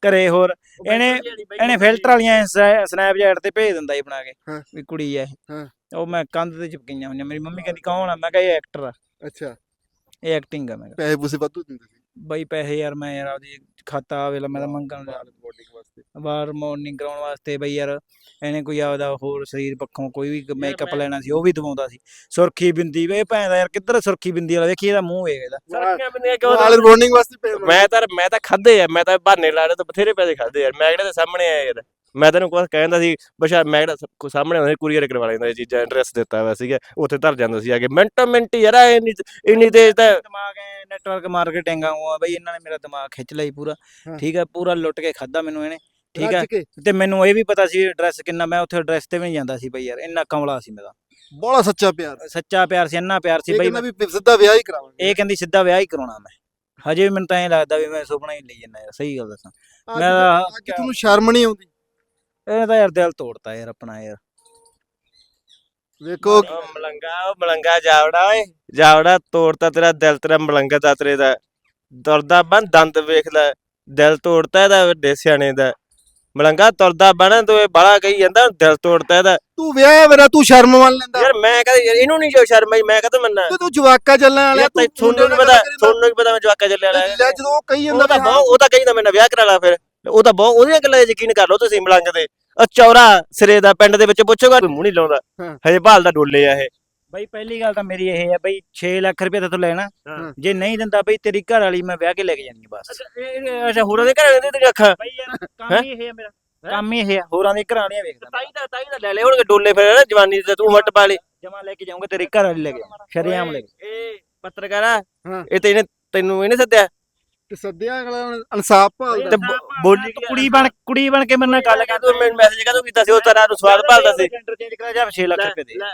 S2: ਘਰੇ ਹੋਰ ਇਹਨੇ ਇਹਨੇ ਫਿਲਟਰ ਵਾਲੀਆਂ ਸਨੈਪਚੈਟ ਤੇ ਭੇਜ ਦਿੰਦਾ ਸੀ ਬਣਾ ਕੇ
S1: ਹਾਂ।
S2: ਵੀ ਕੁੜੀ ਆ ਇਹ
S1: ਹਾਂ।
S2: ਉਹ ਮੈਂ ਕੰਧ ਤੇ ਚਿਪਕੀਆਂ ਹੋਈਆਂ ਮੇਰੀ ਮੰਮੀ ਕਹਿੰਦੀ ਕੌਣ ਆ ਮੈਂ ਕਿਹਾ ਇਹ ਐਕਟਰ ਆ
S1: ਅੱਛਾ
S2: ਇਹ ਐਕਟਿੰਗ ਆ ਮੈਂ ਕਿਹਾ
S1: ਪੈਸੇ ਪੂਸੇ ਵਾਧੂ ਦਿੰਦੇ ਸੀ
S2: ਬਈ ਪੈਸੇ ਯਾਰ ਮੈਂ ਯਾਰ ਆਪਦੀ ਖਾਤਾ ਵੇਲਾ ਮੈਂ ਤਾਂ ਮੰਗਣ ਜਾ
S1: ਬੋਡੀ ਵਾਸਤੇ
S2: ਬਾਹਰ ਮਾਰਨਿੰਗ ਕਰਾਉਣ ਵਾਸਤੇ ਬਈ ਯਾਰ ਇਹਨੇ ਕੋਈ ਆਪਦਾ ਹੋਰ ਸਰੀਰ ਪੱਖੋਂ ਕੋਈ ਵੀ ਮੇਕਅਪ ਲੈਣਾ ਸੀ ਉਹ ਵੀ ਦਵਾਉਂਦਾ ਸੀ ਸੁਰਖੀ ਬਿੰਦੀ ਵੇ ਭੈਣ ਦਾ ਯਾਰ ਕਿੱਧਰ ਸੁਰਖੀ ਬਿੰਦੀ ਵਾਲਾ ਵੇਖੀ ਇਹਦਾ ਮੂੰਹ ਵੇਖ ਇਹਦਾ
S1: ਵਾਲ ਬੋਰਡਿੰਗ ਵਾਸਤੇ ਪੈਸੇ
S3: ਮੈਂ ਤਾਂ ਮੈਂ ਤਾਂ ਖਾਦੇ ਆ ਮੈਂ ਤਾਂ ਬਹਾਨੇ ਲਾ ਰਹੇ ਤਾਂ ਬਥੇਰੇ ਪੈਸੇ ਖਾਦੇ ਯਾਰ ਮੈਂ ਕਿਹੜੇ ਦੇ ਸਾਹਮਣੇ ਆਇਆ ਯਾਰ ਮੈਂ ਤੈਨੂੰ ਕੁਝ ਕਹਿੰਦਾ ਸੀ ਬਸ਼ਾ ਮੈਂ ਕਿਹੜਾ ਸਾਹਮਣੇ ਆਉਂਦੇ ਕੁਰੀਅਰ ਕਰਵਾ ਲੈਂਦਾ ਇਹ ਚੀਜ਼ਾਂ ਐਡਰੈਸ ਦਿੱਤਾ ਹੋਇਆ ਸੀਗਾ ਉੱਥੇ ਧਰ ਜਾਂਦਾ ਸੀ ਆ ਕੇ ਮਿੰਟੋ ਮਿੰਟ ਯਾਰ ਇੰਨੀ ਇੰਨੀ ਤੇਜ਼ ਤਾਂ
S2: ਦਿਮਾਗ ਐ ਨੈਟਵਰਕ ਮਾਰਕੀਟਿੰਗ ਆ ਬਈ ਇਹਨਾਂ ਨੇ ਮੇਰਾ ਦਿਮਾਗ ਖਿੱਚ ਲਈ ਪੂਰਾ
S1: ਹਾਂ।
S2: ਠੀਕ ਹੈ ਪੂਰਾ ਲੁੱਟ ਕੇ ਖਾਦਾ ਮੈਨੂੰ ਇਹਨੇ ਠੀਕ ਹੈ
S1: ਰੱਜ ਕੇ
S2: ਤੇ ਮੈਨੂੰ ਇਹ ਵੀ ਪਤਾ ਸੀ ਐਡਰੈਸ ਕਿੰਨਾ ਮੈਂ ਉੱਥੇ ਐਡਰੈਸ ਤੇ ਵੀ ਨਹੀਂ ਜਾਂਦਾ ਸੀ ਬਈ ਯਾਰ ਇੰਨਾ ਕਮਲਾ ਸੀ ਮੇਰਾ
S1: ਬੜਾ ਸੱਚਾ ਪਿਆਰ
S2: ਸੱਚਾ ਪਿਆਰ ਸੀ ਇੰਨਾ ਪਿਆਰ ਸੀ
S1: ਇਹ
S2: ਬਈ
S1: ਕਹਿੰਦਾ ਵੀ ਸਿੱਧਾ ਵਿਆਹ ਹੀ ਕਰਾਵਾਂਗੇ
S2: ਇਹ ਕਹਿੰਦੀ ਸਿੱਧਾ ਵਿਆਹ ਹੀ ਕਰਾਉਣਾ ਮੈਂ ਹਜੇ ਵੀ ਮੈਨੂੰ ਤਾਂ ਐਂ ਲੱਗਦਾ ਵੀ ਮੈਂ ਸੁਪਨਾ ਹੀ ਲਈ ਜਾਂਦਾ ਯਾਰ ਸਹੀ ਗੱਲ ਦੱਸਾਂ
S1: ਅੱਜ
S2: ਮੈਂ ਤਾਂ-
S1: ਅੱਜ ਤੁਹਾਨੂੰ ਸ਼ਰਮ ਨਹੀਂ ਆਉਂਦੀ
S2: ਇਹ ਤਾਂ ਯਾਰ ਦਿਲ ਤੋੜਤਾ ਯਾਰ ਆਪਣਾ ਯਾਰ
S1: ਵੇਖੋ
S3: ਉਹ ਮਲੰਗਾ ਉਹ ਮਲੰਗਾ ਜਾਵੜਾ ਓਏ ਜਾਵੜਾ ਤੋੜਤਾ ਤੇਰਾ ਦਿਲ ਤੇਰਾ ਮਲੰਗਾ ਦਾ ਤੇਰੇ ਦਾ ਤੁਰਦਾ ਬਣ ਦੰਦ ਵੇਖ ਲੈ ਦਿਲ ਤੋੜਤਾ ਇਹਦਾ ਵੱਡੇ ਸਿਆਣੇ ਦਾ ਮਲੰਗਾ ਤੁਰਦਾ ਬਣ ਤੂੰ ਇਹ ਬਾਲਾ ਕਹੀ ਜਾਂਦਾ ਦਿਲ ਤੋੜਤਾ ਇਹਦਾ
S1: ਤੂੰ ਵਿਆਹ ਮੇਰਾ ਤੂੰ ਸ਼ਰਮ ਮੰਨ ਲੈਂਦਾ
S3: ਯਾਰ ਮੈਂ ਕਹਿੰਦਾ ਯਾਰ ਇਹਨੂੰ ਨਹੀਂ ਜੋ ਸ਼ਰਮ ਆਈ ਮੈਂ ਕਹਤਾ ਮੰਨਾ
S1: ਤੇ ਤੂੰ ਜਵਾਕਾ ਚੱਲਣ ਵਾਲਾ
S3: ਯਾਰ
S1: ਤੂੰ
S3: ਤੁਹਾਨੂੰ ਨਹੀਂ ਪਤਾ ਤੁਹਾਨੂੰ ਨਹੀਂ ਪਤਾ ਮੈਂ ਜਵਾਕਾ ਚੱਲਿਆ
S1: ਲੈ ਜਦੋਂ ਉਹ ਕਹੀ ਜਾਂਦਾ
S3: ਉਹ ਤਾਂ
S1: ਵੀ ਹਾਂ,
S3: ਬਹੁਤ ਉਹ ਤਾਂ ਕਹਿੰਦਾ ਮੈਂ ਵਿਆਹ ਕਰਾ ਲਾ ਫਿਰ ਉਹ ਤਾਂ ਬਹੁਤ ਉਹਦੀਆਂ ਗੱਲਾਂ 'ਚ ਯਕੀਨ ਕਰ ਲਓ ਤੁਸੀਂ ਮਲੰਗ ਦੇ ਉਹ ਚੌਰਾ ਸਿਰੇ ਦਾ ਪਿੰਡ ਦੇ ਵਿੱਚ ਪੁੱਛੋਗਾ ਕੋਈ ਮੂੰਹ ਨਹੀਂ ਲਾਉਂਦਾ
S1: ਹਾਂ।
S3: ਹਜੇ ਭਾਲ ਦਾ ਡੋਲੇ ਆ ਇਹ
S2: ਬਈ ਪਹਿਲੀ ਗੱਲ ਤਾਂ ਮੇਰੀ ਇਹ ਹੈ ਬਈ ਛੇ ਲੱਖ ਰੁਪਏ ਤੂੰ ਲੈਣਾ
S3: ਹਾਂ।
S2: ਜੇ ਨਹੀਂ ਦਿੰਦਾ ਬਈ ਤੇਰੀ ਘਰ ਵਾਲੀ ਮੈਂ ਵਿਆਹ ਕੇ ਲੈ ਕੇ ਜਾਣੀ ਬਸ
S3: ਅੱਛਾ ਹੋਰਾਂ ਦੇ ਘਰਾਂ ਦੇ ਤੇਰੀ ਅੱਖਾਂ
S2: ਬਈ ਯਾਰ ਕੰਮ ਹੀ ਇਹ ਹੈ ਮੇਰਾ ਕੰਮ ਹੀ ਇਹ ਹੈ ਹੋਰਾਂ ਦੀ ਘਰਾਂ ਵਾਲੀਆਂ ਵੇਖਦਾ
S3: ਤਾਈ ਦਾ ਤਾਈ ਦਾ ਲੈ ਲੈ ਹੁਣ ਡੋਲੇ ਫਿਰ ਜਵਾਨੀ ਤੇ ਤੂੰ ਵੱਟ ਪਾ ਲਈ
S2: ਜਮਾ ਲੈ ਕੇ ਜਾਊਂਗਾ ਤੇਰੀ ਘਰ ਵਾਲੀ ਲੈ ਕੇ ਸ਼ਰੇਆਮ ਲੈ ਕੇ
S3: ਇਹ ਪੱਤਰਕਾਰ ਆ
S1: ਹਾਂ।
S3: ਇਹ ਤੇ ਇਹਨੇ ਤੈਨੂੰ ਇਹਨੇ ਸੱਦਿਆ
S1: ਤੇ ਸੱਦਿਆ ਅਗਲਾ ਇਨਸਾਫ ਭਾਲਦਾ
S3: ਤੇ ਬੋ- ਬੋਲੀ
S2: ਤੂੰ ਕੁੜੀ ਬਣ ਕੁੜੀ ਬਣ ਕੇ ਮੇਰੇ ਨਾਲ ਗੱਲ ਕਰ
S3: ਤੂੰ ਮੈਨੂੰ ਮੈਸੇਜ ਕਦੋਂ ਕੀਤਾ ਸੀ ਉਹ ਤੇਰਾ ਨੂੰ ਸਵਾਲ ਭਾਲਦਾ ਸੀ
S2: ਚੇਂਜ ਕਰਾ ਜਾ ਛੇ ਲੱਖ ਰੁਪਏ ਦੇ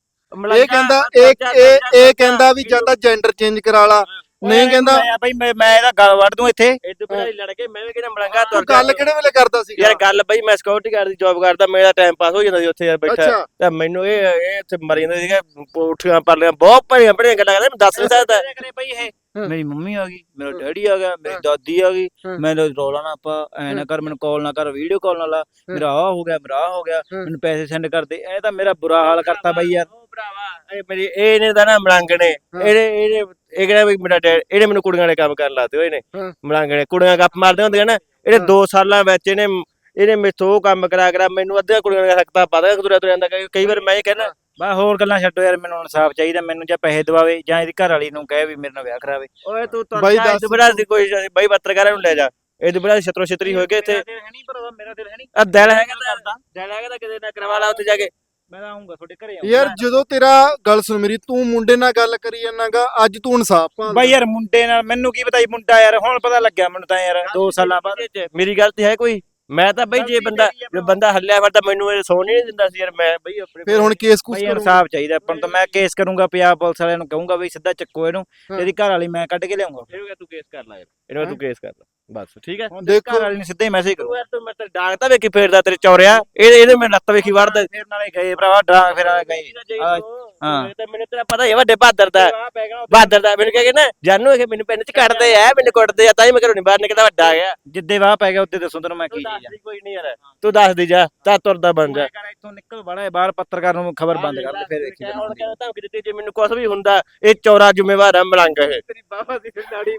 S1: ਇਹ ਕਹਿੰਦਾ ਇਹ ਇਹ ਇਹ ਕਹਿੰਦਾ ਵੀ ਜਾਂਦਾ ਜੈਂਡਰ ਚੇਂਜ ਕਰਾ ਲਾ ਨਹੀਂ ਕਹਿੰਦਾ
S2: ਮੈਂ ਬਈ ਮੈਂ ਮੈਂ ਇਹਦਾ ਗੱਲ ਵੜ ਦੂੰ ਇੱਥੇ
S3: ਇਦੋਂ ਪਹਿਲਾਂ ਹੀ ਲੜ ਕੇ ਮੈਂ ਵੀ ਕਿਹੜਾ ਮਲੰਗਾ
S1: ਤੂੰ
S3: ਤੁਰ
S1: ਗੱਲ ਕਿਹੜੇ ਵੇਲੇ ਕਰਦਾ ਸੀ
S3: ਯਾਰ ਗੱਲ ਬਈ ਮੈਂ ਸਿਕਿਉਰਿਟੀ ਗਾਰਡ ਦੀ ਜੌਬ ਕਰਦਾ ਮੇਰਾ ਟਾਈਮ ਪਾਸ ਹੋ ਜਾਂਦਾ ਸੀ ਉੱਥੇ ਯਾਰ ਬੈਠਾ
S1: ਅੱਛਾ
S3: ਤੇ ਮੈਨੂੰ ਇਹ ਇਹ ਇੱਥੇ ਮਰ ਜਾਂਦਾ ਸੀਗਾ ਉੱਠੀਆਂ ਪਰਲੀਆਂ ਬਹੁਤ ਭੜੀਆਂ ਭੜੀਆਂ ਗੱਲਾਂ ਕਰਦਾ ਮੈਂ ਦੱਸ ਨਹੀਂ ਸਕਦਾ
S2: ਕਰੇ ਬਈ ਇਹ
S1: ਹਾਂ।
S2: ਮੇਰੀ ਮੰਮੀ ਆ ਗਈ ਮੇਰਾ ਡੈਡੀ ਆ ਗਿਆ ਮੇਰੀ ਦਾਦੀ ਆ ਗਈ
S1: ਹਾਂ।
S2: ਮੈਨੂੰ ਰੋਲਾ ਨਾ ਪਾ ਐ ਨਾ ਕਰ ਮੈਨੂੰ ਕਾਲ ਨਾ ਕਰ ਵੀਡੀਓ ਕਾਲ ਨਾ ਲਾ ਮੇਰਾ ਆ ਹੋ ਗਿਆ ਮੇਰਾ ਆ ਹੋ ਗਿਆ
S1: ਹਾਂ।
S2: ਮੈਨੂੰ ਪੈਸੇ ਸੈਂਡ ਕਰ ਦੇ ਇਹ ਤਾਂ ਮੇਰਾ ਬੁਰਾ ਹਾਲ ਕਰਤਾ ਬਈ ਯਾਰ
S3: ਉਹ ਭਰਾਵਾ ਇਹ ਮੇਰੀ ਇਹ ਨੇ ਤਾਂ ਨਾ ਮਲੰਗ ਨੇ ਇਹਨੇ ਇਹਨੇ ਇਹ ਕਿਹੜਾ ਵੀ ਮੇਰਾ ਡੈਡ ਇਹਨੇ ਮੈਨੂੰ ਕੁੜੀਆਂ ਦੇ ਕੰਮ ਕਰਨ ਲਾਤੇ ਹੋਏ ਨੇ
S1: ਹਾਂ।
S3: ਮਲੰਗ ਨੇ ਕੁੜੀਆਂ ਗੱਪ ਮਾਰਦੇ ਹੁੰਦੀਆਂ ਨਾ ਇਹਨੇ
S1: ਹਾਂ।
S3: ਦੋ ਸਾਲਾਂ ਵਿੱਚ ਇਹਨੇ ਇਹਨੇ ਮੇਥੋਂ ਉਹ ਕੰਮ ਕਰਾ ਕਰਾ ਮੈਨੂੰ ਅੱਧੀਆਂ ਕੁੜੀਆਂ ਦੀਆਂ ਹਰਕਤਾਂ ਪਾ ਦੇ ਤੁਰਿਆ ਤੁਰਿਆ ਜਾਂਦਾ ਕਈ ਕਈ ਵਾਰ ਮੈਂ ਇਹ ਕਹਿੰਦਾ
S2: ਬਾ ਹੋਰ ਗੱਲਾਂ ਛੱਡੋ ਯਾਰ ਮੈਨੂੰ ਇਨਸਾਫ ਚਾਹੀਦਾ ਮੈਨੂੰ ਜਾਂ ਪੈਸੇ ਦਵਾਵੇ ਜਾਂ ਇਹਦੀ ਘਰ ਵਾਲੀ ਨੂੰ ਕਹੇ ਵੀ ਮੇਰੇ ਨਾਲ ਵਿਆਹ ਕਰਾਵੇ
S3: ਓਏ ਤੂੰ ਤੁਰ
S1: ਬਾਈ
S3: ਜਾ
S1: ਦੱਸ।
S3: ਇਹ ਬੜਾ ਦੀ ਕੋਈ ਬਾਈ ਪੱਤਰਕਾਰਾਂ ਨੂੰ ਲੈ ਜਾ ਇਹ ਬੜਾ ਛਤਰੋ ਛਤਰੀ ਹੋ ਕੇ ਇੱਥੇ
S2: ਮੇਰਾ ਦਿਲ ਹੈ ਨਹੀਂ ਭਰਾਵਾ ਮੇਰਾ ਦਿਲ ਹੈ ਨਹੀਂ
S3: ਆ ਦਿਲ ਹੈਗਾ
S2: ਕਰਦਾ
S3: ਤਾਂ ਦਿਲ ਹੈਗਾ ਤਾਂ ਕਿਤੇ ਨਾ ਕਰਵਾ ਲਾ ਉੱਥੇ ਜਾ ਕੇ
S2: ਮੈਂ ਤਾਂ ਆਉਂਗਾ ਤੁਹਾਡੇ ਘਰੇ
S1: ਯਾਰ ਜਦੋਂ ਤੇਰਾ ਗੱਲ ਸੁਣ ਮੇਰੀ ਤੂੰ ਮੁੰਡੇ ਨਾਲ ਗੱਲ ਕਰੀ ਜਾਂਦਾਗਾ ਅੱਜ ਤੂੰ ਇਨਸਾਫ ਭਾਲਦਾ
S2: ਬਾਈ ਯਾਰ ਮੁੰਡੇ ਨਾਲ ਮੈਨੂੰ ਕੀ ਪਤਾ ਸੀ ਮੁੰਡਾ ਯਾਰ ਹੁਣ ਪਤਾ ਲੱਗਿਆ ਮੈਨੂੰ ਤਾਂ ਯਾਰ ਦੋ ਸਾਲਾਂ ਬਾਅਦ
S3: ਮੇਰੀ ਗਲਤੀ ਹੈ ਕੋਈ ਮੈਂ ਤਾਂ ਬਈ ਜੇ ਬੰਦਾ ਜੇ ਬੰਦਾ ਹੱਲਿਆ ਫਿਰ ਤਾਂ ਮੈਨੂੰ ਇਹ ਸੌਣ ਹੀ ਨਹੀਂ ਦਿੰਦਾ ਸੀ ਯਾਰ ਮੈਂ ਬਈ ਆਪਣੇ
S1: ਫਿਰ ਹੁਣ ਕੇਸ ਕੁਸ
S2: ਬਈ
S1: ਕਰੂੰਗਾ
S2: ਇਨਸਾਫ ਚਾਹੀਦਾ ਆਪਾਂ ਨੂੰ ਤਾਂ ਮੈਂ ਕੇਸ ਕਰੂੰਗਾ ਪੰਜਾਬ ਪੁਲਿਸ ਵਾਲਿਆਂ ਨੂੰ ਕਹੂੰਗਾ ਬਈ ਸਿੱਧਾ ਚੱਕੋ ਇਹਨੂੰ
S1: ਹਾਂ।
S2: ਇਹਦੀ ਘਰ ਵਾਲੀ ਮੈਂ ਕੱਢ ਕੇ ਲਿਆਉਂਗਾ
S3: ਇਹਨੂੰ ਤੂੰ ਕੇਸ ਕਰ ਲੈ ਯਾਰ ਇਹਨੂੰ ਤੂੰ ਕੇਸ ਕਰ ਲੈ ਬਸ ਠੀਕ ਹੈ
S2: ਹੁਣ
S1: ਦੇਖੋ-
S2: ਘਰ ਵਾਲੀ ਨੂੰ ਸਿੱਧਾ ਹੀ ਮੈਸੇਜ ਕਰੂੰ
S3: ਤੂੰ ਯਾਰ ਤੂੰ ਮੈਂ ਤੇ ਡਾਂਗ ਤਾਂ ਵੇਖੀ ਫੇਰਦਾ ਤੇਰੇ ਚੌਰਿਆ ਇਹ ਇਹਦੇ ਮੈਂ ਲੱਤ ਵੇਖੀ ਵੜਦਾ
S2: ਫਿਰ ਨਾਲੇ ਗਏ ਭਰਾਵਾ ਡਾਂਗ ਫਿਰ ਆ ਗਏ ਆ, ਹਾਂ।
S3: ਤੇ ਮੈਨੂੰ ਤੇਰਾ ਪਤਾ ਹੀ ਹੈ ਵੱਡੇ ਬਹਾਦਰ ਦਾ
S2: ਆ ਪੈ ਗਿਆ
S3: ਬਹਾਦਰ ਦਾ ਮੈਨੂੰ ਕਹਿੰਦੇ ਨਾ ਜਾਨੂ ਇਹ ਮੈਨੂੰ ਪਿੰਡ ਚ ਕੱਢਦੇ ਆ ਮੈਨੂੰ ਕੁੱਟਦੇ ਆ ਤਾਂ ਹੀ ਮੈਂ ਘਰੋਂ ਨਹੀਂ ਬਾਹਰ ਨਿਕਲਦਾ ਵੱਡਾ ਆ ਗਿਆ
S2: ਜਿੱਦੇ ਵਾਹ ਪੈ ਗਿਆ ਉੱਤੇ ਦੱਸੋ ਤੈਨੂੰ ਮੈਂ
S3: ਤੂੰ
S2: ਕੀ
S3: ਦੱਸ
S2: ਚੀਜ਼ ਆ
S3: ਦੀ ਕੋਈ ਨਹੀਂ ਯਾਰ ਤੂੰ ਦੱਸ ਦੀ ਜਾ ਤਾਂ ਤੁਰਦਾ ਬਣ ਜਾ
S2: ਕਰ ਇੱਥੋਂ ਨਿਕਲ ਬੜਾ ਬਾਹਰ ਪੱਤਰਕਾਰ ਨੂੰ ਖਬਰ ਬੰਦ ਕਰ ਦੇ ਫਿਰ ਵੇਖੀ
S3: ਹੁਣ ਕਹਿੰਦਾ ਧਮਕੀ ਦਿੱਤੀ ਜੇ ਮੈਨੂੰ ਕੁਝ ਵੀ ਹੁੰਦਾ ਇਹ ਚੌਰਾ ਜ਼ਿੰਮੇਵਾਰ ਆ ਮਲੰਗ ਇਹ
S2: ਤੇਰੀ ਬਾਬਾ ਦੀ ਨਾੜੀ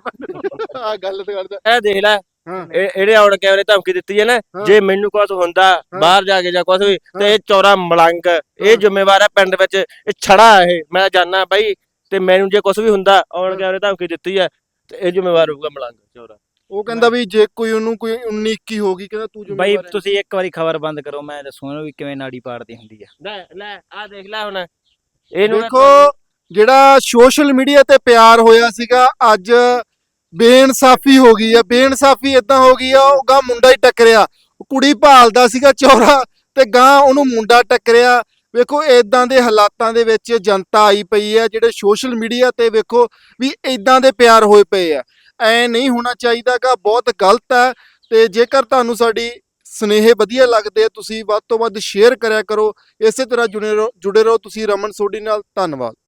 S1: ਆ ਗੱਲ ਤੇ ਕਰਦਾ
S3: ਇਹ ਦੇਖ ਲੈ
S1: ਹਾਂ
S3: ਇਹ ਇਹਦੇ ਆਉਣ ਕੈਮਰੇ ਧਮਕੀ ਦਿੱਤੀ ਹੈ ਨਾ
S1: ਹਾਂ।
S3: ਜੇ ਮੈਨੂੰ ਕੁਝ ਹੁੰਦਾ ਬਾਹਰ ਜਾ ਕੇ ਜਾਂ ਕੁਝ ਵੀ ਤੇ ਇਹ ਚੌਰਾ ਮਲੰਗ ਇਹ ਜ਼ਿੰਮੇਵਾਰ ਹੈ ਪਿੰਡ ਵਿੱਚ ਇਹ ਛੜਾ ਇਹ ਮੈਂ ਜਾਣਾ ਬਾਈ ਤੇ ਮੈਨੂੰ ਜੇ ਕੁਝ ਵੀ ਹੁੰਦਾ ਆਉਣ ਕੈਮਰੇ ਧਮਕੀ ਦਿੱਤੀ ਹੈ ਤੇ ਇਹ ਜ਼ਿੰਮੇਵਾਰ ਹੋਊਗਾ ਮਲੰਗ ਚੌਰਾ
S1: ਉਹ ਕਹਿੰਦਾ ਵੀ ਜੇ ਕੋਈ ਉਹਨੂੰ ਕੋਈ ਉੱਨੀ ਇੱਕੀ ਹੋ ਗਈ ਕਹਿੰਦਾ ਤੂੰ
S2: ਬਾਈ
S1: ਜ਼ਿੰਮੇਵਾਰ ਹੈ।
S2: ਤੁਸੀਂ ਇੱਕ ਵਾਰੀ ਖਬਰ ਬੰਦ ਕਰੋ ਮੈਂ ਦੱਸੂ ਇਹਨੂੰ ਵੀ ਕਿਵੇਂ ਨਾੜੀ ਪਾੜਦੀ ਹੁੰਦੀ ਆ
S3: ਲੈ ਲੈ ਆ ਦੇਖ ਲੈ ਹੁਣ ਇਹਨੂੰ ਨਾ-
S1: ਦੇਖੋ ਜਿਹੜਾ ਸੋਸ਼ਲ ਮੀਡੀਆ ਤੇ ਪਿਆਰ ਹੋਇਆ ਸੀਗਾ ਅੱਜ ਬੇਇਨਸਾਫੀ ਹੋ ਗਈ ਆ ਬੇਇਨਸਾਫੀ ਇਦਾਂ ਹੋ ਗਈ ਆ ਉਹ ਗਾਂ ਮੁੰਡਾ ਹੀ ਟੱਕਰਿਆ ਉਹ ਕੁੜੀ ਭਾਲਦਾ ਸੀਗਾ ਚੌਰਾ ਤੇ ਗਾਂ ਉਹਨੂੰ ਮੁੰਡਾ ਟੱਕਰਿਆ ਵੇਖੋ ਇਦਾਂ ਦੇ ਹਾਲਾਤਾਂ ਦੇ ਵਿੱਚ ਜਨਤਾ ਆਈ ਪਈ ਹੈ ਜਿਹੜੇ ਸੋਸ਼ਲ ਮੀਡੀਆ ਤੇ ਵੇਖੋ ਵੀ ਇਦਾਂ ਦੇ ਪਿਆਰ ਹੋਏ ਪਏ ਆ ਐ ਨਹੀਂ ਹੋਣਾ ਚਾਹੀਦਾਗਾ ਬਹੁਤ ਗਲਤ ਹੈ ਤੇ ਜੇਕਰ ਤੁਹਾਨੂੰ ਸਾਡੀ ਸਨੇਹ ਵਧੀਆ ਲੱਗਦੇ ਆ ਤੁਸੀਂ ਵੱਧ ਤੋਂ ਵੱਧ ਸ਼ੇਅਰ ਕਰਿਆ ਕਰੋ ਇਸੇ ਤਰ੍ਹਾਂ ਜੁੜੇ ਰਹੋ ਜੁੜੇ ਰਹੋ ਤੁਸੀਂ ਰਮਨ ਸੋਢੀ ਨਾਲ ਧੰਨਵਾਦ।